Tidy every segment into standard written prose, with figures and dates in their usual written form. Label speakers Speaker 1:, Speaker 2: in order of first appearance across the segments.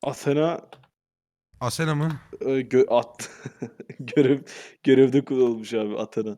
Speaker 1: Athena
Speaker 2: Asena mı?
Speaker 1: at görevde kullanılmış abi Athena.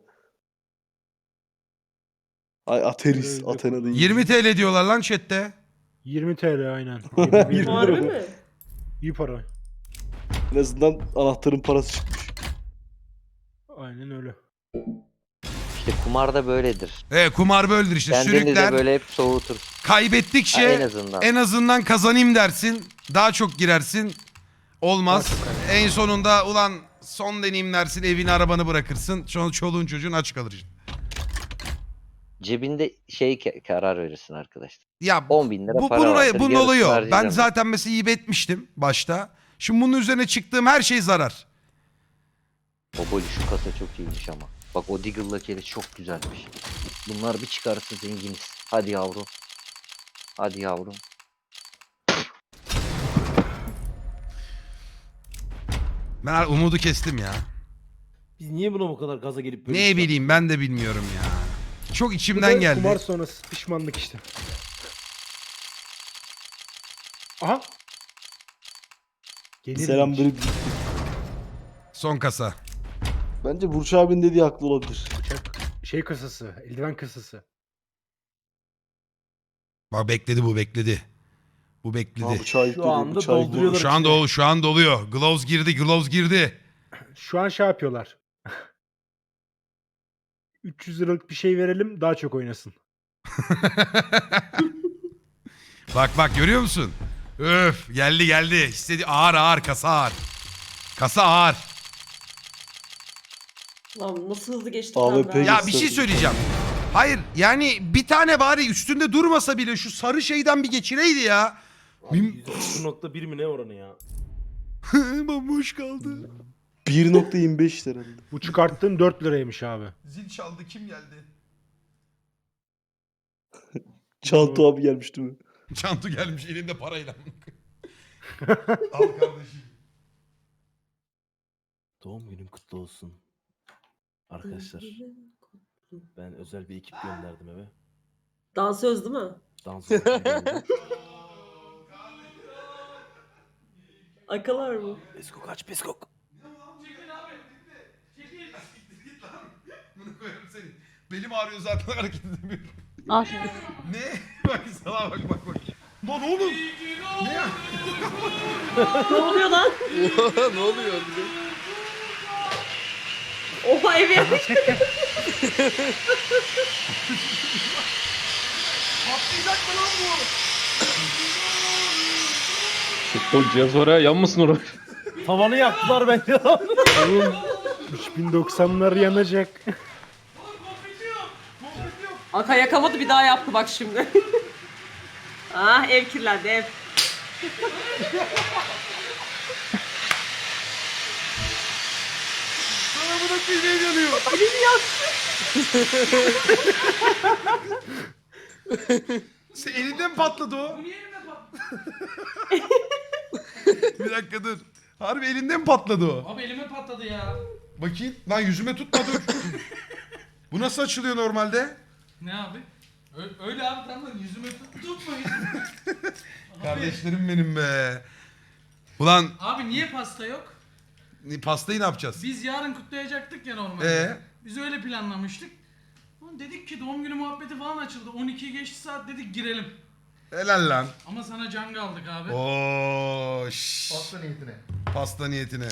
Speaker 1: Ay Ateris,
Speaker 3: Görevde
Speaker 1: Athena değil.
Speaker 2: 20 TL diyorlar lan chatte.
Speaker 3: 20 TL aynen.
Speaker 1: 20
Speaker 3: 21
Speaker 1: lira
Speaker 3: lira.
Speaker 4: Harbi
Speaker 1: mı?
Speaker 4: mi?
Speaker 3: İyi para.
Speaker 1: En azından anahtarın parası çıkmış.
Speaker 3: Aynen öyle.
Speaker 5: İşte kumar da böyledir.
Speaker 2: Kumar böyledir işte.
Speaker 5: Kendini
Speaker 2: Sürükler.
Speaker 5: de böyle hep soğutur.
Speaker 2: Kaybettikçe
Speaker 5: Ha, en azından.
Speaker 2: en azından kazanayım dersin. Daha çok girersin. Olmaz. En sonunda ulan son deneyim dersin, evini arabanı bırakırsın. Sonra çoluğun çocuğun aç kalır işte.
Speaker 5: Cebinde karar verirsin arkadaşlar.
Speaker 2: Ya
Speaker 5: 10.000 lira
Speaker 2: bu,
Speaker 5: para
Speaker 2: bunun,
Speaker 5: vardır.
Speaker 2: bunun
Speaker 5: yarısını
Speaker 2: oluyor. Ben
Speaker 5: harcayacağım.
Speaker 2: zaten mesela iyi etmiştim başta. Şimdi bunun üzerine çıktığım her şey zarar.
Speaker 5: Boboli şu kasa çok iyiymiş ama. Bak o Diggle'la kere çok güzelmiş. Bunlar bir çıkarsa zenginiz. Hadi yavrum. Hadi yavrum.
Speaker 2: Ben umudu kestim ya.
Speaker 6: Biz niye buna bu kadar gaza gelip böyle
Speaker 2: Ne
Speaker 6: şey
Speaker 2: bileyim ben de bilmiyorum ya. Çok
Speaker 3: Bu
Speaker 2: içimden
Speaker 3: da
Speaker 2: geldi.
Speaker 3: Kumar sonrası pişmanlık işte. Aha. Gelir
Speaker 1: Selam
Speaker 3: miymiş?
Speaker 1: böyle
Speaker 2: Son kasa.
Speaker 1: Bence Burç abinin dediği haklı olabilir.
Speaker 3: Bıçak. Şey kasası. Eldiven kasası.
Speaker 2: Bak bekledi bu bekledi. Bu bekledi.
Speaker 1: Ha, bıçağı yükledi,
Speaker 6: anda
Speaker 1: bıçağı
Speaker 6: dolduruyorlar.
Speaker 2: Şu an doluyor. Gloves girdi.
Speaker 3: Şu an şey yapıyorlar. 300 liralık bir şey verelim daha çok oynasın.
Speaker 2: Bak görüyor musun? Öf geldi. Hissedi ağır kasa ağır. Kasa ağır.
Speaker 4: Lan nasıl hızlı geçti
Speaker 1: AWP
Speaker 4: ben.
Speaker 2: Ya bir şey söyleyeceğim. Hayır yani bir tane bari üstünde durmasa bile şu sarı şeyden bir geçireydi ya.
Speaker 6: %0.1 mi ne oranı ya?
Speaker 2: Bomboş kaldı.
Speaker 1: 1.25 herhalde.
Speaker 3: Bu çıkarttığın 4 liraymış abi.
Speaker 2: Zil çaldı kim geldi?
Speaker 1: Çantu abi gelmiş değil mi?
Speaker 2: Çantu gelmiş elinde parayla. Al kardeşim.
Speaker 6: Doğum günün kutlu olsun. Arkadaşlar ben özel bir ekip gönderdim eve.
Speaker 4: Dansöz değil mi?
Speaker 6: Dans gönderdim.
Speaker 4: Akalar mı?
Speaker 6: Peskok aç peskok.
Speaker 2: Bunu koyarım seni. Belim ağrıyor zaten hareket edemiyorum.
Speaker 7: Al.
Speaker 2: Ne? Bak sana bak. Lan oğlum. Ne ya?
Speaker 4: Ne oluyor lan?
Speaker 6: Ne oluyor?
Speaker 4: Oha ev yapmış.
Speaker 2: Patlayacak mı lan bu?
Speaker 8: O cihaz var ya yanmasın oraya.
Speaker 6: Tavanı yaktılar bence.
Speaker 3: Oğlum 3090'lar yanacak.
Speaker 4: Aka yakamadı bir daha yaptı bak şimdi. Ah ev kirlendi ev.
Speaker 2: Sana bırak bir şey yanıyor.
Speaker 4: Elim yaktı.
Speaker 2: Sen elinden patladı o. Niye elinden patladı? Bir dakika dur. Harbi elinden patladı o.
Speaker 9: Abi elime patladı ya.
Speaker 2: Bakayım. Lan yüzüme tutma dur. Bu nasıl açılıyor normalde?
Speaker 9: Ne abi? Öyle abi tamam yüzüme tutma yüzüme.
Speaker 2: Kardeşlerim benim be. Ulan
Speaker 9: Abi niye pasta yok?
Speaker 2: pastayı ne yapacağız?
Speaker 9: Biz yarın kutlayacaktık ya normalde.
Speaker 2: Ee?
Speaker 9: Biz öyle planlamıştık. Ulan dedik ki doğum günü muhabbeti falan açıldı. 12 geçti saat dedik girelim.
Speaker 2: Helal lan.
Speaker 9: Ama sana can aldık abi.
Speaker 2: Oo, Pasta niyetine.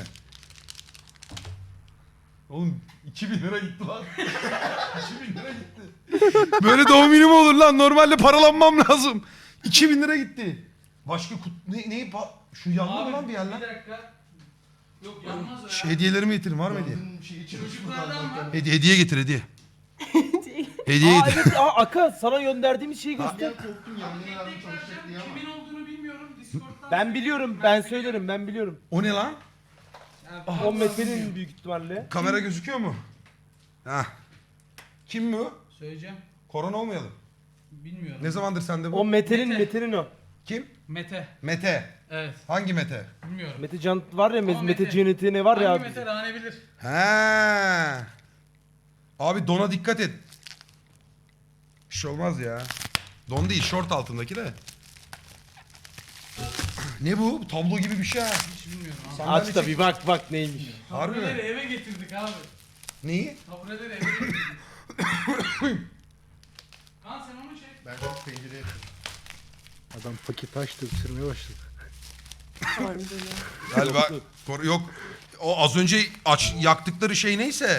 Speaker 2: Oğlum 2000 lira gitti lan. 2000 lira gitti. Böyle doğum günü mü olur lan? Normalde paralanmam lazım. 2000 lira gitti. Başka şu yandı mı lan bir yer lan?
Speaker 9: Bir dakika. Yok yanmaz o ya.
Speaker 2: Şu hediyelerimi getirin var mı hediye?
Speaker 9: Çocuklardan var.
Speaker 2: Hediye getir hediye. Hediye getir.
Speaker 6: Evet Aka sana gönderdiğimiz şeyi göster.
Speaker 9: Kimin olduğunu bilmiyorum. Discord'dan.
Speaker 6: Ben biliyorum ben söylerim ben biliyorum.
Speaker 2: O ne lan?
Speaker 6: O Mete'nin büyük ihtimalle.
Speaker 2: Kamera gözüküyor mu? Hah. Kim bu?
Speaker 9: Söyleyeceğim.
Speaker 2: Korona olmayalım.
Speaker 9: Bilmiyorum.
Speaker 2: Ne zamandır sende bu?
Speaker 6: O Mete'nin
Speaker 9: Mete.
Speaker 6: Mete'nin o.
Speaker 2: Kim?
Speaker 9: Mete.
Speaker 2: Mete.
Speaker 9: Evet.
Speaker 2: Hangi Mete?
Speaker 9: Bilmiyorum.
Speaker 6: Mete Can var ya
Speaker 9: Ama
Speaker 6: Mete
Speaker 9: Mete.
Speaker 6: Cennet'i ne var ya
Speaker 9: Hangi
Speaker 6: abi.
Speaker 9: Mete Rane bilir.
Speaker 2: He. Abi dona dikkat et. Bir şey olmaz ya. Don değil, şort altındaki de. Ne bu? Tablo gibi bir şey ha.
Speaker 9: Hiç bilmiyorum abi.
Speaker 6: Aç da bir bak neymiş.
Speaker 2: Harbi
Speaker 9: Tabureleri
Speaker 2: mi?
Speaker 9: eve getirdik abi.
Speaker 2: Neyi?
Speaker 9: Tabureleri eve getirdik. Kaan sen onu çek.
Speaker 2: Ben çok pencereye
Speaker 3: Adam paket açtı ısırmaya başladı.
Speaker 2: Galiba yok. O az önce yaktıkları şey neyse.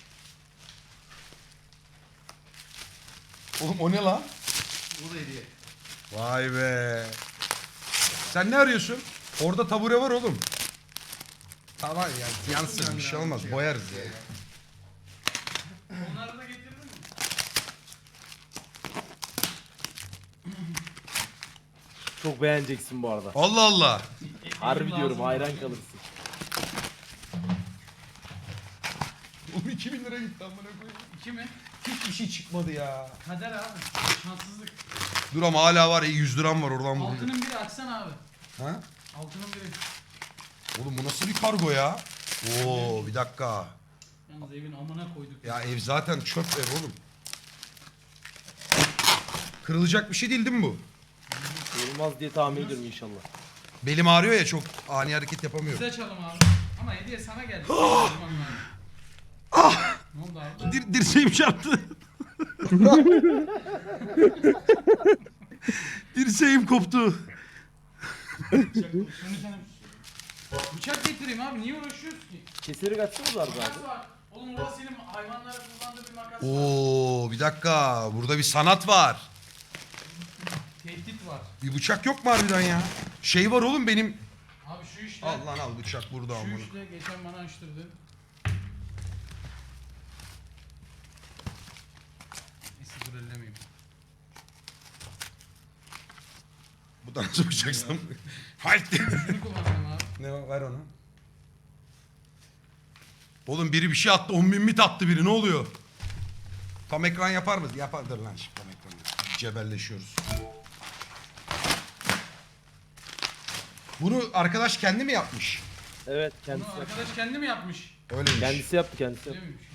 Speaker 2: Oğlum o ne lan?
Speaker 9: Bu da hediye.
Speaker 2: Vay be. Sen ne arıyorsun? Orada tabure var oğlum. Tamam yani yansın bir şey olmaz. Boyarız ya.
Speaker 9: Onları da getirdin mi?
Speaker 6: Çok beğeneceksin bu arada.
Speaker 2: Allah Allah.
Speaker 6: Harbi
Speaker 9: Lazım
Speaker 6: diyorum
Speaker 9: bana.
Speaker 6: hayran kalırsın.
Speaker 2: Oğlum 2000 lira gitti amına koyayım.
Speaker 9: 2 mi?
Speaker 2: Hiç işi çıkmadı ya.
Speaker 9: Kader abi. Şanssızlık.
Speaker 2: Dur ama hala var ya 100 liram var oradan buldum.
Speaker 9: Altının biri açsana abi.
Speaker 2: Ha?
Speaker 9: Altının biri.
Speaker 2: Oğlum bu nasıl bir kargo ya? Oo bir dakika.
Speaker 9: Yalnız evin amına koyduk.
Speaker 2: Ya ev zaten çöp ev oğlum. Kırılacak bir şey değil mi bu?
Speaker 6: Olmaz diye tahmin ediyorum inşallah.
Speaker 2: Belim ağrıyor ya çok ani hareket yapamıyorum.
Speaker 9: Biz açalım abi. Ama hediye sana geldi. Ne oldu abi?
Speaker 2: Dirseğim çarptı. Dirseğim koptu.
Speaker 9: Şunu sana... Bıçak getireyim abi. Niye uğraşıyorsun ki?
Speaker 6: Keseri kaçsanız var
Speaker 9: Makas
Speaker 6: abi.
Speaker 9: var. Oğlum orada senin hayvanlara kullandığı bir makas var.
Speaker 2: Oo bir dakika burada bir sanat var.
Speaker 9: Tehdit var.
Speaker 2: Bir bıçak yok mu harbiden ya? Şey var oğlum benim.
Speaker 9: Abi şu işte.
Speaker 2: Al lan al bıçak burada
Speaker 9: Şu
Speaker 2: amına.
Speaker 9: işte geçen bana açtırdı. Neyse dur ellemeyeyim.
Speaker 2: Bu da nasıl bıçaksam? Haydi.
Speaker 9: Şunu kullanacağım abi.
Speaker 2: Ne var ver onu. Oğlum biri bir şey attı 10.000 mit attı biri ne oluyor? Tam ekran yapar mı? Yapardır lan şimdi tam ekran. Cebelleşiyoruz. Bunu arkadaş kendi mi yapmış?
Speaker 6: Evet
Speaker 9: Bunu
Speaker 6: kendisi yaptı.
Speaker 9: arkadaş kendi mi yapmış?
Speaker 2: Öyleymiş.
Speaker 6: Kendisi yaptı kendisi
Speaker 9: Öyle
Speaker 6: yaptı.
Speaker 9: miymiş?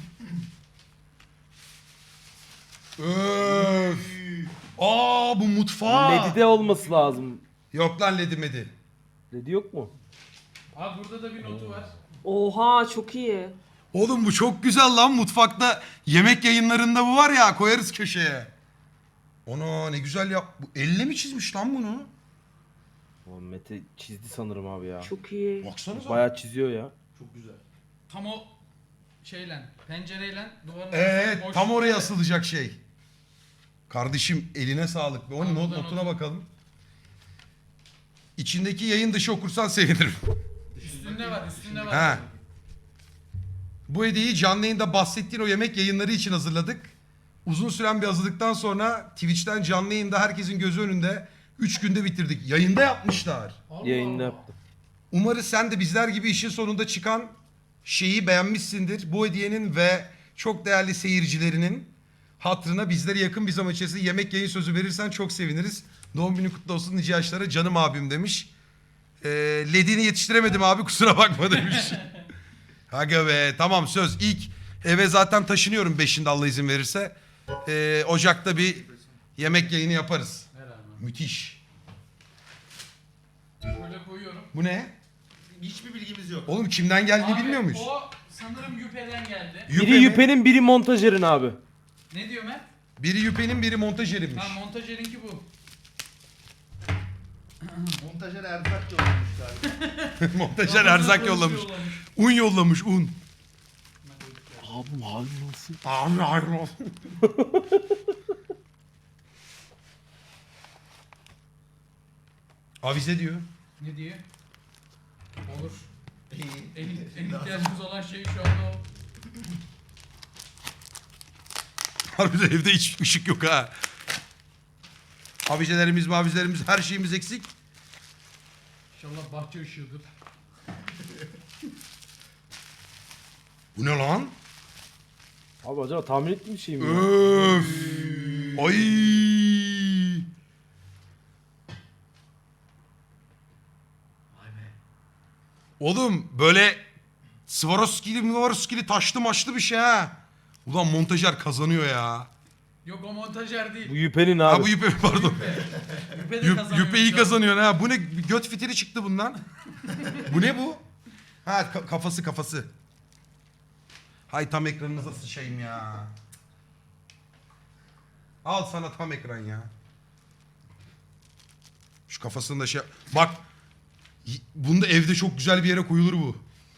Speaker 2: Öf. Aa bu mutfağı.
Speaker 6: Ledide olması lazım.
Speaker 2: Yok lan ledi medi.
Speaker 6: Ledi yok mu?
Speaker 9: Abi burada da bir notu var.
Speaker 4: Oha çok iyi.
Speaker 2: Oğlum bu çok güzel lan mutfakta. Yemek yayınlarında bu var ya koyarız köşeye. Ona ne güzel yap. Bu elle mi çizmiş lan bunu?
Speaker 6: O Mete çizdi sanırım abi ya.
Speaker 4: Çok iyi.
Speaker 2: Baksanıza.
Speaker 6: Bayağı çiziyor ya.
Speaker 9: Tam o şeyle, pencereyle duvarın
Speaker 2: Evet
Speaker 9: arasında
Speaker 2: tam
Speaker 9: boşluk
Speaker 2: oraya
Speaker 9: var.
Speaker 2: asılacak şey. Kardeşim eline sağlık. Onun
Speaker 9: Abi, buradan
Speaker 2: notuna
Speaker 9: otur.
Speaker 2: bakalım. İçindeki yayın dışı okursan sevinirim.
Speaker 9: Üstünde var, üstünde var.
Speaker 2: Ha. Bu hediyeyi canlı yayında bahsettiğin o yemek yayınları için hazırladık. Uzun süren bir hazırlıktan sonra Twitch'ten canlı yayında herkesin gözü önünde 3 günde bitirdik. Yayında yapmışlar.
Speaker 9: Allah
Speaker 6: Yayında
Speaker 9: Allah.
Speaker 6: yaptı.
Speaker 2: Umarız sen de bizler gibi işin sonunda çıkan şeyi beğenmişsindir. Bu hediyenin ve çok değerli seyircilerinin hatırına bizlere yakın bir zaman içerisinde yemek yayın sözü verirsen çok seviniriz. Doğum günü kutlu olsun nice yaşlara canım abim demiş. Ledini yetiştiremedim abi kusura bakma demiş. Aga be tamam söz ilk eve zaten taşınıyorum 5'inde Allah izin verirse. Ocak'ta bir yemek yayını yaparız.
Speaker 9: Ver abi.
Speaker 2: Müthiş.
Speaker 9: Şöyle koyuyorum.
Speaker 2: Bu ne?
Speaker 7: Hiçbir bilgimiz yok.
Speaker 2: Oğlum kimden geldiğini
Speaker 9: Abi,
Speaker 2: bilmiyor muyuz?
Speaker 9: O sanırım Yüpe'den geldi.
Speaker 2: Yüpe
Speaker 6: Biri
Speaker 2: mi?
Speaker 6: Yüpe'nin biri montajerin abi.
Speaker 9: Ne diyor Mert?
Speaker 2: Biri Yüpe'nin biri montajerinmiş.
Speaker 9: Ha montajerinki bu.
Speaker 7: Montajer erzak yollamış galiba.
Speaker 2: Montajer erzak yollamış. Un yollamış un.
Speaker 6: Abi abi nasıl?
Speaker 2: Abi abi. Avize diyor.
Speaker 9: Ne diyor? Olur. En ihtiyacımız olan şey şu anda o.
Speaker 2: Harbiden evde hiç ışık yok ha. Avizelerimiz mavizelerimiz her şeyimiz eksik.
Speaker 9: İnşallah bahçe ışığıdır.
Speaker 2: Bu ne lan?
Speaker 6: Abi acaba tahmin ettiğim bir şey mi ya?
Speaker 2: Öf. Ay. Oğlum böyle Swarovski'li taşlı maçlı bir şey ha. Ulan montajer kazanıyor ya.
Speaker 9: Yok o montajer değil.
Speaker 6: Bu Yüpe'nin
Speaker 2: Ha
Speaker 6: abi.
Speaker 2: bu Yüpe pardon.
Speaker 9: Yüpe de kazanıyor.
Speaker 2: Yüpe iyi kazanıyor ha. Bu ne? Bir göt fitili çıktı bundan. Bu ne bu? Ha kafası. Hay tam ekranınıza sıçayım ya. Al sana tam ekran ya. Şu kafasında şey... Bak. Bunda evde çok güzel bir yere koyulur bu.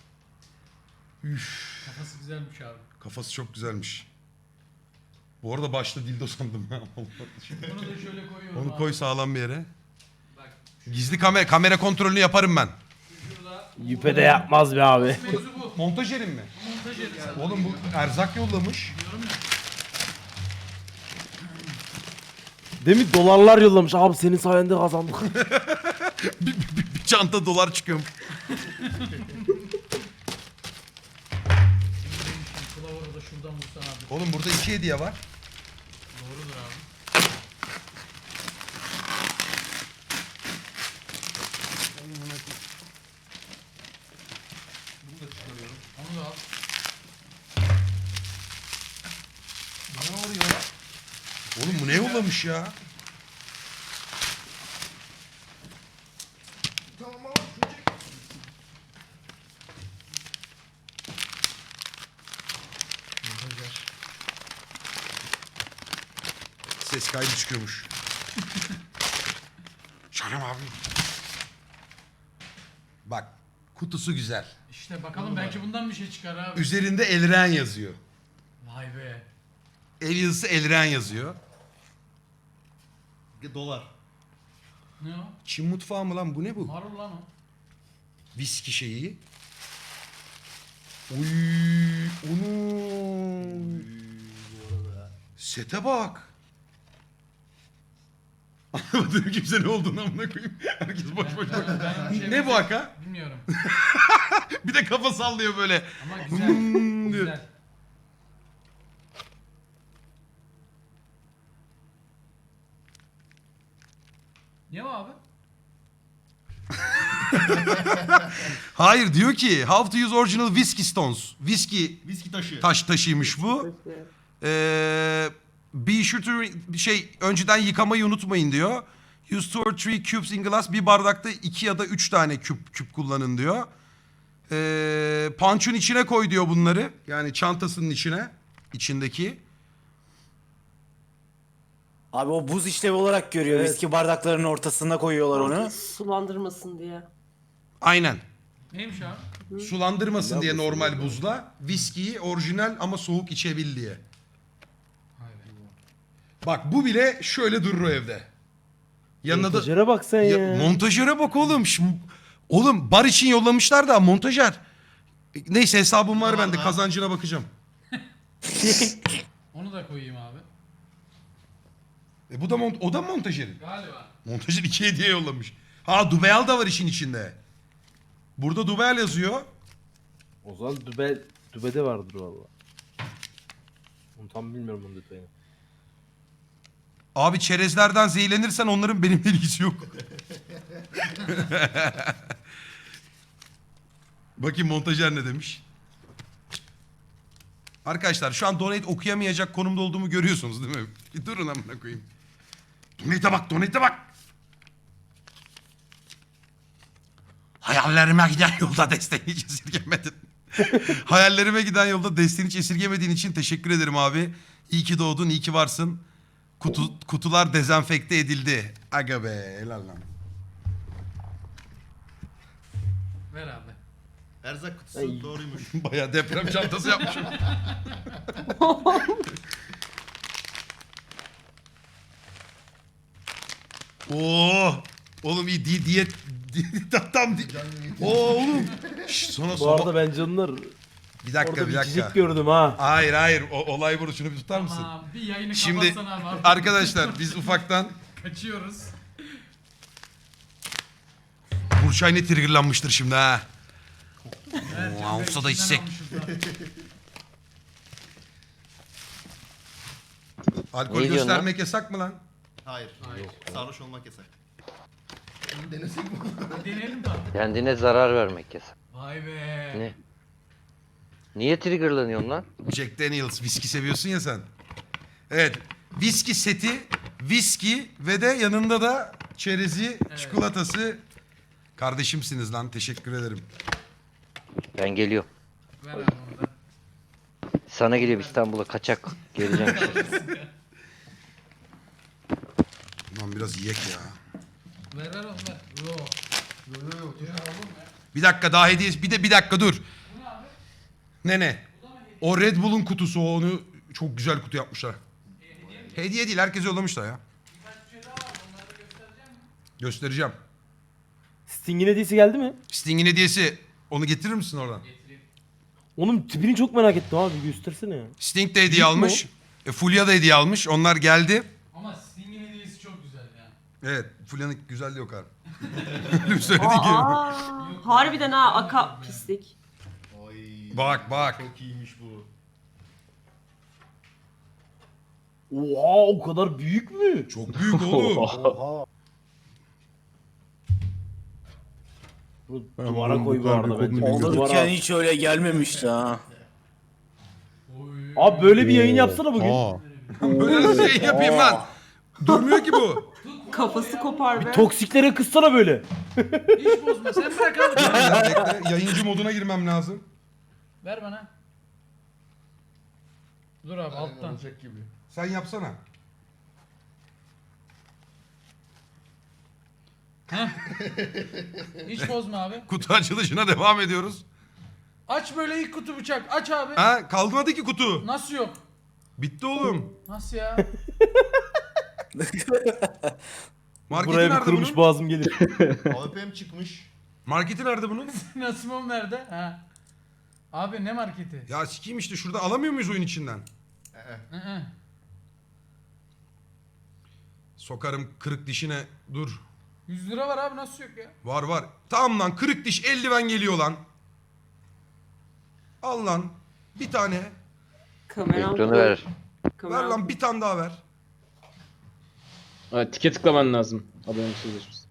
Speaker 9: Kafası güzelmiş abi.
Speaker 2: Kafası çok güzelmiş. Bu arada başta dildo sandım ha.
Speaker 9: Bunu da şöyle koyuyorum
Speaker 2: Onu
Speaker 9: abi.
Speaker 2: koy sağlam bir yere.
Speaker 9: Bak
Speaker 2: Gizli kamera kontrolünü yaparım ben.
Speaker 9: şurada.
Speaker 6: Yüpe de yapmaz be abi.
Speaker 9: Mevzu bu.
Speaker 2: Montajerim mi?
Speaker 9: Montajeri zaten.
Speaker 2: Oğlum bu erzak yollamış.
Speaker 9: Diyorum ya.
Speaker 6: Demin dolarlar yollamış. Abi senin sayende kazandık.
Speaker 2: Bir çanta dolar çıkıyor.
Speaker 9: Kılavuru da şuradan vursan abi.
Speaker 2: Oğlum burada 2 hediye var.
Speaker 9: Doğrudur abi. Onu da al.
Speaker 2: Ne oluyor? Oğlum bu ne yollamış ya? Ses kaydı çıkıyormuş. Canım abi. Bak kutusu güzel.
Speaker 9: İşte bakalım belki bundan bir şey çıkar abi.
Speaker 2: Üzerinde Elren yazıyor.
Speaker 9: Vay be.
Speaker 2: El yazısı Elren yazıyor.
Speaker 7: Dolar.
Speaker 9: Ne o?
Speaker 2: Çin mutfağı mı lan bu ne bu?
Speaker 9: Marul lan o.
Speaker 2: Viski şeyi. Uy, onu. Sete bak. Anlamadım kimse ne olduğunu amına koyayım. Herkes boş boş bak.
Speaker 9: bir şey
Speaker 2: Ne bu haka?
Speaker 9: Bilmiyorum.
Speaker 2: Bir de kafa sallıyor böyle.
Speaker 9: Ama güzel.
Speaker 2: Hmm diyor.
Speaker 9: Güzel. Ne o abi?
Speaker 2: Hayır diyor ki how to use original whiskey stones. Whiskey
Speaker 7: Viski taşı.
Speaker 2: taşıymış bu. Be sure to önceden yıkamayı unutmayın diyor. Use 2 or 3 cubes in glass. Bir bardakta 2 ya da 3 tane küp kullanın diyor. Punch'un içine koy diyor bunları. Yani çantasının içindeki.
Speaker 10: Abi o buz işlevi olarak görüyor.
Speaker 6: Evet.
Speaker 10: Viski bardaklarının ortasına koyuyorlar onu.
Speaker 4: Sulandırmasın diye.
Speaker 2: Aynen.
Speaker 9: Neymiş abi?
Speaker 2: Sulandırmasın diye normal buzla. Viskiyi orijinal ama soğuk içebil diye.
Speaker 9: Vay be.
Speaker 2: Bak bu bile şöyle durur o evde. Yanına da...
Speaker 6: Montajere bak sen ya.
Speaker 2: Montajöre bak oğlum. Oğlum bar için yollamışlar da montajer. Neyse hesabım var bende. Kazancına bakacağım.
Speaker 9: Onu da koyayım abi.
Speaker 2: Bu da o da montajerin.
Speaker 9: Galiba.
Speaker 2: Montajer 2 hediye yollamış. Ha Dubeyal da var işin içinde. Burada Dubeyal yazıyor.
Speaker 6: O zaman Dübe'de vardır valla. Onu tam bilmiyorum onun detayını.
Speaker 2: Abi çerezlerden zehirlenirsen onların benimle ilgisi yok. Bakayım montajer ne demiş. Arkadaşlar şu an donate okuyamayacak konumda olduğumu görüyorsunuz değil mi? Bir durun amına koyayım. Donate'e bak. Hayallerime giden yolda desteğini hiç esirgemedin. Hayallerime giden yolda desteğini hiç esirgemediğin için teşekkür ederim abi. İyi ki doğdun, iyi ki varsın. Kutular dezenfekte edildi. Aga be, helal lan.
Speaker 9: Ver abi.
Speaker 7: Erzak kutusu doğruymuş.
Speaker 2: Bayağı deprem çantası yapmışım. Oo, oğlum iyi diyet tam oğlum. Şş, sonra
Speaker 6: Bu arada ben canlar
Speaker 2: bir dakika
Speaker 6: orada
Speaker 2: bir
Speaker 6: bir
Speaker 2: dakika.
Speaker 6: cicik gördüm ha.
Speaker 2: Hayır olay burada, şunu bir tutar mısın?
Speaker 9: Tamam bir yayını
Speaker 2: Şimdi
Speaker 9: kapatsana abi.
Speaker 2: arkadaşlar biz ufaktan
Speaker 9: Kaçıyoruz.
Speaker 2: Burçay ne triggerlanmıştır şimdi ha.
Speaker 9: Evet,
Speaker 2: Oo, olsa da içsek. Alkol
Speaker 5: Ne diyorsun
Speaker 2: göstermek yasak mı lan?
Speaker 7: Hayır.
Speaker 9: Hayır.
Speaker 7: Sarhoş olmak yasak. Denesek mi?
Speaker 9: Bir deneyelim tabii.
Speaker 5: Kendine zarar vermek yasak.
Speaker 9: Vay be.
Speaker 5: Ne? Niye triggerlanıyorsun lan?
Speaker 2: Jack Daniels viski seviyorsun ya sen. Evet. Viski seti, viski ve de yanında da çerezi, çikolatası. Kardeşimsiniz lan, teşekkür ederim.
Speaker 5: Ben geliyorum.
Speaker 9: Ver abi onu da.
Speaker 5: Sana geliyorum İstanbul'a kaçak. Geleceğim işte.
Speaker 2: Lan biraz yiyek ya.
Speaker 9: Ver oğlum ver. Yo.
Speaker 2: Bir dakika daha hediyesi. Bir dakika dur. Ne? O Red Bull'un kutusu, onu çok güzel kutu yapmışlar. Hediye değil, herkese yollamışlar ya. Göstereceğim.
Speaker 6: Sting'in hediyesi geldi mi?
Speaker 2: Sting'in hediyesi. Onu getirir misin oradan?
Speaker 6: Onun tipini çok merak ettim abi, göstersene ya.
Speaker 2: Sting de hediye
Speaker 6: Büyük mü
Speaker 2: almış. Fulya da hediye almış. Onlar geldi.
Speaker 9: Ama Sting'in hediyesi çok güzel ya.
Speaker 2: Evet, Fulya'nın güzelliği yok abi. Öyle bir söyledi ki.
Speaker 4: Harbiden ha aka pislik.
Speaker 7: Ay.
Speaker 2: Bak.
Speaker 7: Çok iyiymiş bu.
Speaker 6: Oha, o kadar büyük mü?
Speaker 2: Çok büyük oğlum.
Speaker 6: Oha. Bu duvara koy bu arada bence.
Speaker 10: Alırken
Speaker 6: Duvara.
Speaker 10: hiç öyle gelmemişti ha.
Speaker 6: Abi böyle bir yayın yapsana bugün.
Speaker 2: Böyle nasıl şey yapayım lan? Durmuyor ki bu.
Speaker 4: Kafası kopar be.
Speaker 6: Toksiklere kıssana böyle.
Speaker 9: Hiç bozma sen bırak abi.
Speaker 2: Bekle, yayıncı moduna girmem lazım.
Speaker 9: Ver bana. Dur abi alttan.
Speaker 7: Olacak gibi.
Speaker 2: Sen yapsana.
Speaker 9: Hiç bozma abi.
Speaker 2: Kutu açılışına devam ediyoruz.
Speaker 9: Aç böyle ilk kutu bıçak. Aç abi.
Speaker 2: Ha, kalmadı ki kutu.
Speaker 9: Nasıl yok?
Speaker 2: Bitti oğlum.
Speaker 9: Nasıl ya?
Speaker 2: Marketi
Speaker 6: Buraya bir
Speaker 2: nerede
Speaker 6: kırmış
Speaker 2: bunun?
Speaker 6: boğazım gelir.
Speaker 7: AWP'm çıkmış.
Speaker 2: Marketi nerede bunun?
Speaker 9: Nasımım nerede? Ha. Abi ne marketi?
Speaker 2: Ya sikeyim işte, şurada alamıyor muyuz oyun içinden?
Speaker 9: Hı.
Speaker 2: Sokarım kırık dişine. Dur.
Speaker 9: 100 lira var abi nasıl yok ya?
Speaker 2: Var. Tamam lan, kırık diş eldiven geliyor lan. Al lan. Bir tane.
Speaker 4: Kameram.
Speaker 5: Ekranı ver.
Speaker 2: Ver lan, bir tane daha ver.
Speaker 8: Evet, tike tıklaman lazım. Adamın sözleşmesi.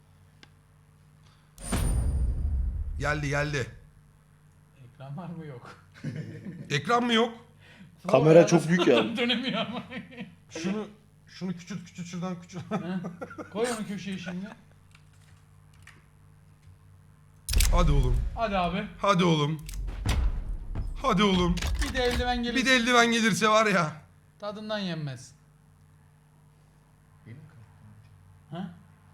Speaker 2: Geldi.
Speaker 9: Ekran var mı yok?
Speaker 2: Ekran mı yok?
Speaker 1: Kamera çok büyük yani.
Speaker 9: Dönemiyor ama.
Speaker 2: Şunu küçült şuradan küçült.
Speaker 9: Ha? Koy onu köşeye şimdi.
Speaker 2: Hadi oğlum.
Speaker 9: Hadi abi.
Speaker 2: Hadi oğlum. Hadi oğlum.
Speaker 9: Bir de eldiven gelir.
Speaker 2: Bir de eldiven gelirse var ya.
Speaker 9: Tadından yenmez. Ha?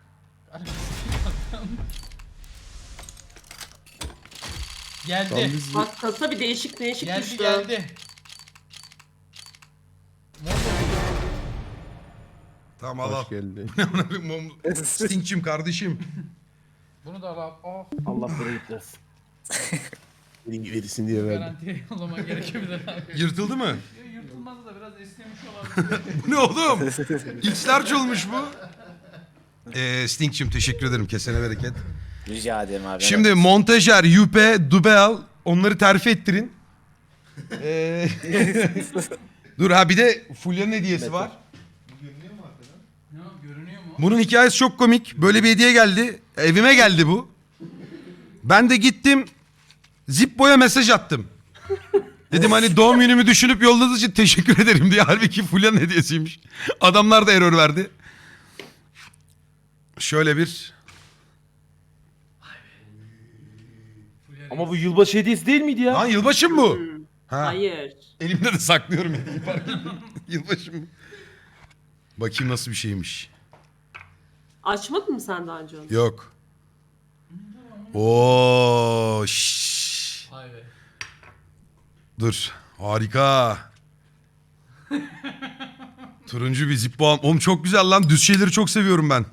Speaker 9: Geldi.
Speaker 4: Bak kasa bir değişik
Speaker 9: Geldi
Speaker 4: düştü.
Speaker 9: geldi.
Speaker 2: Tamam al. Geldi. Sting'cim kardeşim.
Speaker 9: Bunu da al abi. Oh,
Speaker 6: Allah bereket versin.
Speaker 3: Verirsin diye
Speaker 9: garantiye yollaman gerekebilir abi.
Speaker 2: Yırtıldı mı?
Speaker 9: Yırtılmaz da biraz esnemiş olabilir.
Speaker 2: Bu ne oğlum? X-large olmuş bu. Sting'cim teşekkür ederim. Kesene bereket.
Speaker 10: Rica ederim abi.
Speaker 2: Şimdi montajer, Yüpe, Dubel onları terfi ettirin. Dur ha, bir de Fulya'nın hediyesi var.
Speaker 9: Ne o, görünüyor mu?
Speaker 2: Bunun hikayesi çok komik. Böyle bir hediye geldi. Evime geldi bu. Ben de gittim. Zippo'ya mesaj attım. Dedim hani doğum günümü düşünüp yolladığınız için teşekkür ederim diye. Halbuki Fulya'nın hediyesiymiş. Adamlar da error verdi. Şöyle bir...
Speaker 6: Ama bu yılbaşı hediyesi değil miydi ya?
Speaker 2: Lan yılbaşı mı bu? Ha.
Speaker 4: Hayır.
Speaker 2: Elimde de saklıyorum. Yılbaşı mı? Bakayım nasıl bir şeymiş.
Speaker 4: Açmadın mı sen daha önce onu?
Speaker 2: Yok. Oo, şşş.
Speaker 9: Vay be.
Speaker 2: Dur. Harika. Turuncu bir Zippo. Oğlum çok güzel lan. Düz şeyleri çok seviyorum ben.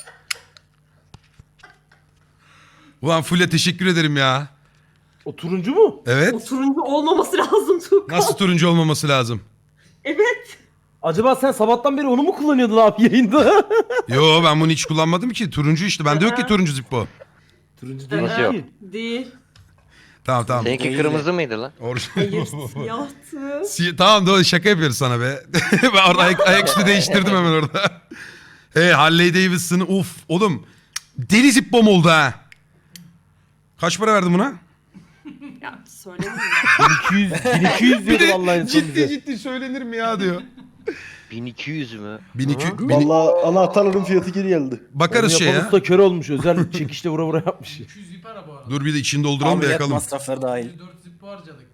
Speaker 2: Ulan Fulya teşekkür ederim ya.
Speaker 6: O turuncu mu?
Speaker 2: Evet.
Speaker 4: O turuncu olmaması lazım Tuğkan.
Speaker 2: Nasıl turuncu olmaması lazım?
Speaker 4: Evet.
Speaker 6: Acaba sen sabahtan beri onu mu kullanıyordun abi yayında?
Speaker 2: Yo, ben bunu hiç kullanmadım ki. Turuncu işte. Bende yok ki turuncu Zippo.
Speaker 6: Turuncu değil
Speaker 5: Nasıl yok?
Speaker 6: ki.
Speaker 4: Değil.
Speaker 2: Tamam.
Speaker 5: Seninki kırmızı mıydı lan?
Speaker 4: Hayır siyahtı.
Speaker 2: Tamam doğru, şaka yapıyoruz sana be. Ben orada ayaküstü değiştirdim hemen orada. Harley Davidson'ı uf oğlum. Deli Zippo'm oldu ha. Kaç para verdin buna?
Speaker 4: Ya söylemeyeyim.
Speaker 6: 1200 diyordu vallahi en son bize.
Speaker 2: Ciddi söylenir mi ya diyor.
Speaker 5: 1200 mü?
Speaker 2: 1200.
Speaker 1: Vallahi anahtarların fiyatı geri geldi.
Speaker 2: Bakarız
Speaker 6: Onu
Speaker 2: şey
Speaker 6: yapan
Speaker 2: ya.
Speaker 6: usta kör olmuş. Özel çekişle vura vura yapmış.
Speaker 9: 200 zip ara bu arada.
Speaker 2: Dur bir de içini dolduralım da
Speaker 10: Ameliyat
Speaker 2: yakalım.
Speaker 10: masrafları dahil.
Speaker 9: 4 zip harcadık.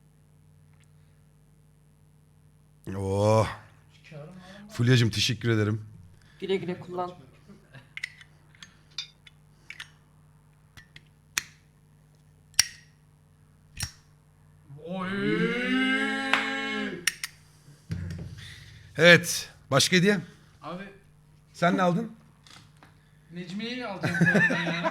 Speaker 2: Oh. Fulya'cığım teşekkür ederim.
Speaker 4: Güle güle kullan.
Speaker 9: Oy.
Speaker 2: Evet. Başka hediye?
Speaker 9: Abi
Speaker 2: Sen ne aldın?
Speaker 9: Necmiye'yi alacağım sonra ya.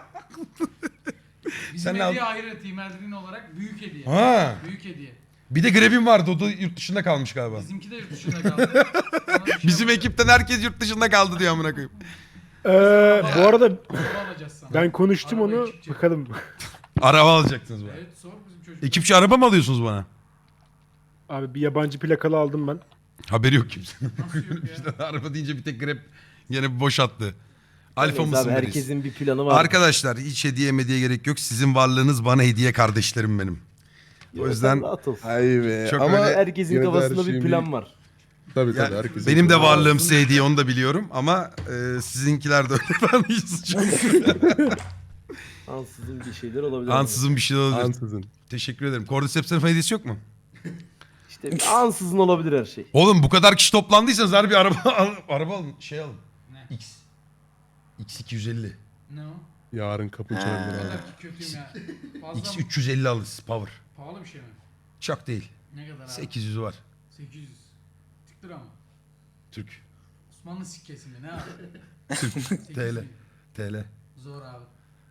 Speaker 9: Bizim
Speaker 2: Sen ne
Speaker 9: hediye
Speaker 2: aldın?
Speaker 9: ayrı Team Eldrin olarak büyük hediye.
Speaker 2: Ha.
Speaker 9: Büyük hediye.
Speaker 2: Bir de Greb'im vardı. O da yurt dışında kalmış galiba.
Speaker 9: Bizimki de yurt dışında kaldı. Sana bir şey
Speaker 2: Bizim
Speaker 9: alacağım.
Speaker 2: ekipten herkes yurt dışında kaldı diyor amına koyayım.
Speaker 3: Bu arada
Speaker 9: Araba alacağız sana.
Speaker 3: ben konuştum
Speaker 9: Araba
Speaker 3: onu.
Speaker 9: ekipçi.
Speaker 3: Bakalım.
Speaker 2: Araba alacaksınız bana.
Speaker 9: Evet sor bizim çocuk.
Speaker 2: Ekipçi araba mı alıyorsunuz bana?
Speaker 3: Abi bir yabancı plakalı aldım ben.
Speaker 2: Haberi yok kimsenin.
Speaker 9: Nasıl yok ya?
Speaker 2: İşte araba deyince bir tek Grab yine boş attı. Alfa
Speaker 6: Neyse
Speaker 2: mısın
Speaker 6: abi,
Speaker 2: biriz?
Speaker 6: herkesin bir planı var.
Speaker 2: Arkadaşlar hiç hediye gerek yok. Sizin varlığınız bana hediye kardeşlerim benim. O yüzden
Speaker 6: rahat ol.
Speaker 1: Ay be.
Speaker 2: Çok
Speaker 1: Ama
Speaker 2: öyle-
Speaker 6: Herkesin
Speaker 1: yine de her
Speaker 6: kafasında bir
Speaker 1: şeyin
Speaker 6: plan var.
Speaker 1: Tabii
Speaker 2: Ya,
Speaker 1: tabii herkesin.
Speaker 2: benim de
Speaker 1: planı var.
Speaker 2: varlığım size hediye onu da biliyorum ama sizinkiler de öyle. Ben hiç suçum yok.
Speaker 6: Ansızın bir şeyler olabilir.
Speaker 2: Ansızın bir şey olabilir.
Speaker 1: Ansızın.
Speaker 2: Teşekkür ederim. Cordyceps'in hediyesi yok mu?
Speaker 6: İşte ansızın olabilir her şey.
Speaker 2: Oğlum bu kadar kişi toplandıysanız harbi araba araba alın. Şey alın.
Speaker 9: Ne?
Speaker 2: X. X250.
Speaker 9: Ne o?
Speaker 1: Yarın kapı çalabilir
Speaker 9: Ne
Speaker 1: abi.
Speaker 9: kadar ki kötüyüm ya. Fazla mı?
Speaker 2: X350 alırız power.
Speaker 9: Pahalı bir şey mi?
Speaker 2: Çok değil.
Speaker 9: Ne kadar abi?
Speaker 2: 800 var.
Speaker 9: 800. Tık lira mı?
Speaker 2: Türk.
Speaker 9: Osmanlı sikkesi mi? Ne abi?
Speaker 2: Türk.
Speaker 9: 800
Speaker 2: TL.
Speaker 9: mi?
Speaker 2: TL.
Speaker 9: Zor abi.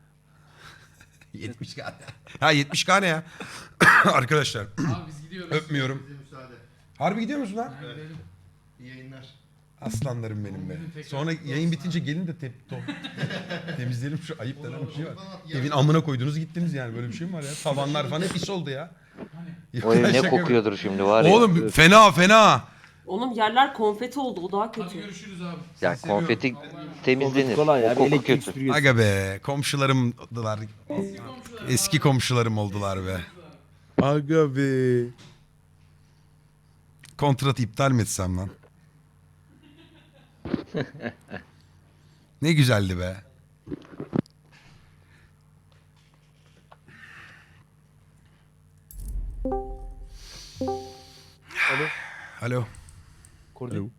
Speaker 2: 70k. Ha 70k ne ya? Arkadaşlar.
Speaker 9: Abi biz gidiyoruz.
Speaker 2: Öpmüyorum.
Speaker 7: Bize müsaade.
Speaker 2: Harbi gidiyor musun lan?
Speaker 9: Ha, gidelim.
Speaker 7: İyi yayınlar.
Speaker 2: Aslanlarım benim be. Sonra yayın bitince gelin de temizleyelim şu ayıp denen bir şey var. Evin amına koydunuz gittiniz yani böyle bir şey mi var ya? Tavanlar falan hep pis oldu ya.
Speaker 5: O ev ne
Speaker 2: Şaka
Speaker 5: kokuyordur şimdi var ya.
Speaker 2: Oğlum fena.
Speaker 4: Oğlum yerler konfeti oldu. O daha
Speaker 9: Hadi
Speaker 4: kötü.
Speaker 9: görüşürüz abi.
Speaker 5: Ya konfeti temizlenir.
Speaker 6: Kolay
Speaker 5: O
Speaker 6: abi,
Speaker 5: koku
Speaker 6: elektrik
Speaker 5: kötü.
Speaker 6: süpürgesi.
Speaker 2: Aga be komşularımdılar. Eski komşularım oldular be.
Speaker 1: Aga be.
Speaker 2: Kontratı iptal mi etsem lan? Ne güzeldi be. Alo.
Speaker 6: Kordi.
Speaker 1: Alo.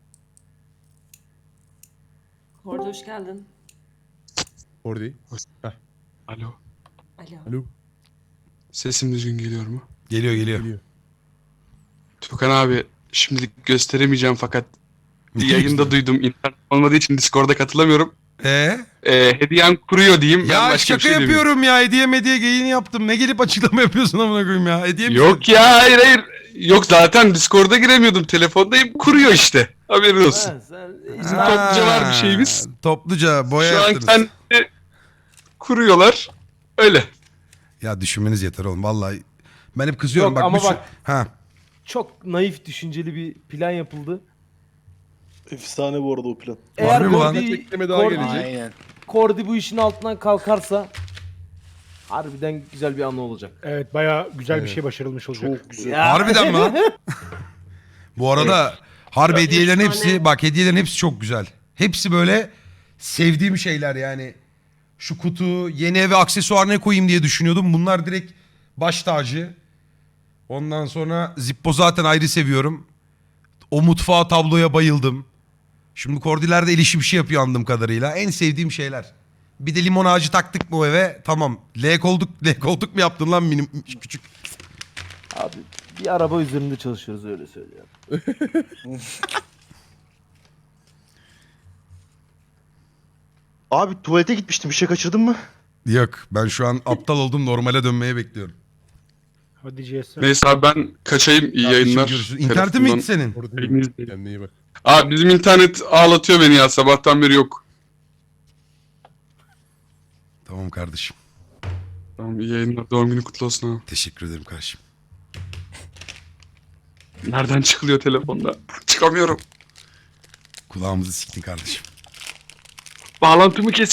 Speaker 4: Orada hoş geldin.
Speaker 1: Orada.
Speaker 11: Alo.
Speaker 4: Alo.
Speaker 1: Alo.
Speaker 11: Sesim düzgün geliyor mu?
Speaker 2: Geliyor.
Speaker 1: Geliyor.
Speaker 11: Tukan abi şimdilik gösteremeyeceğim fakat yayında duydum. İnternet olmadığı için Discord'a katılamıyorum. Hediyem kuruyor diyeyim. Ben
Speaker 2: Ya
Speaker 11: başka bir
Speaker 2: şaka
Speaker 11: şey demeyeyim.
Speaker 2: yapıyorum ya. Hediye geyini yaptım. Ne gelip açıklama yapıyorsun amına koyayım ya. Hediye mi?
Speaker 11: Yok ya hayır. Yok zaten Discord'a giremiyordum. Telefondayım kuruyor işte. Haberin olsun.
Speaker 6: Ha, sen
Speaker 11: Bizim topluca var bir şeyimiz.
Speaker 2: Topluca boya
Speaker 11: Şu an
Speaker 2: yaptınız.
Speaker 11: kendi kuruyorlar. Öyle.
Speaker 2: Ya düşünmeniz yeter oğlum vallahi. Ben hep kızıyorum
Speaker 6: Yok
Speaker 2: bak.
Speaker 6: ama
Speaker 2: bu şu-
Speaker 6: bak-
Speaker 2: Ha.
Speaker 6: çok naif düşünceli bir plan yapıldı.
Speaker 1: Efsane bu arada o plan.
Speaker 6: Eğer
Speaker 2: mi lan?
Speaker 1: Tekleme daha gelecek.
Speaker 10: Aynen.
Speaker 6: Kordi bu işin altından kalkarsa harbiden güzel bir anı olacak.
Speaker 3: Evet bayağı güzel bir şey başarılmış olacak.
Speaker 1: Çok güzel.
Speaker 2: Harbiden mi lan? Bu arada harbi hediyelerin
Speaker 4: Efsane.
Speaker 2: hepsi bak hediyelerin hepsi çok güzel. Hepsi böyle sevdiğim şeyler yani. Şu kutu yeni eve aksesuar ne koyayım diye düşünüyordum. Bunlar direkt baş tacı. Ondan sonra Zippo zaten ayrı seviyorum. O mutfağa tabloya bayıldım. Şimdi Kordiler de el işi bir şey yapıyor anladığım kadarıyla. En sevdiğim şeyler. Bir de limon ağacı taktık mı o eve? Tamam. L koltuk mu yaptın lan minim küçük?
Speaker 6: Abi bir araba üzerinde çalışıyoruz öyle söylüyorum.
Speaker 1: Abi tuvalete gitmiştim. Bir şey kaçırdın mı?
Speaker 2: Yok ben şu an aptal oldum normale dönmeye bekliyorum.
Speaker 3: Hadi GS.
Speaker 11: Neyse abi ben kaçayım. İyi
Speaker 2: Kardeşim,
Speaker 11: yayınlar.
Speaker 2: görüşürüz. İnternetin mi gitti senin?
Speaker 1: Orada
Speaker 11: Elinizdeyim.
Speaker 1: Kendine iyi bak.
Speaker 11: Abi bizim internet ağlatıyor beni ya. Sabahtan beri yok.
Speaker 2: Tamam kardeşim.
Speaker 11: Tamam iyi yayınlar. Doğum günü kutlu olsun abi.
Speaker 2: Teşekkür ederim kardeşim.
Speaker 11: Nereden çıkılıyor telefonda? Çıkamıyorum.
Speaker 2: Kulağımızı siktin kardeşim.
Speaker 11: Bağlantımı kes.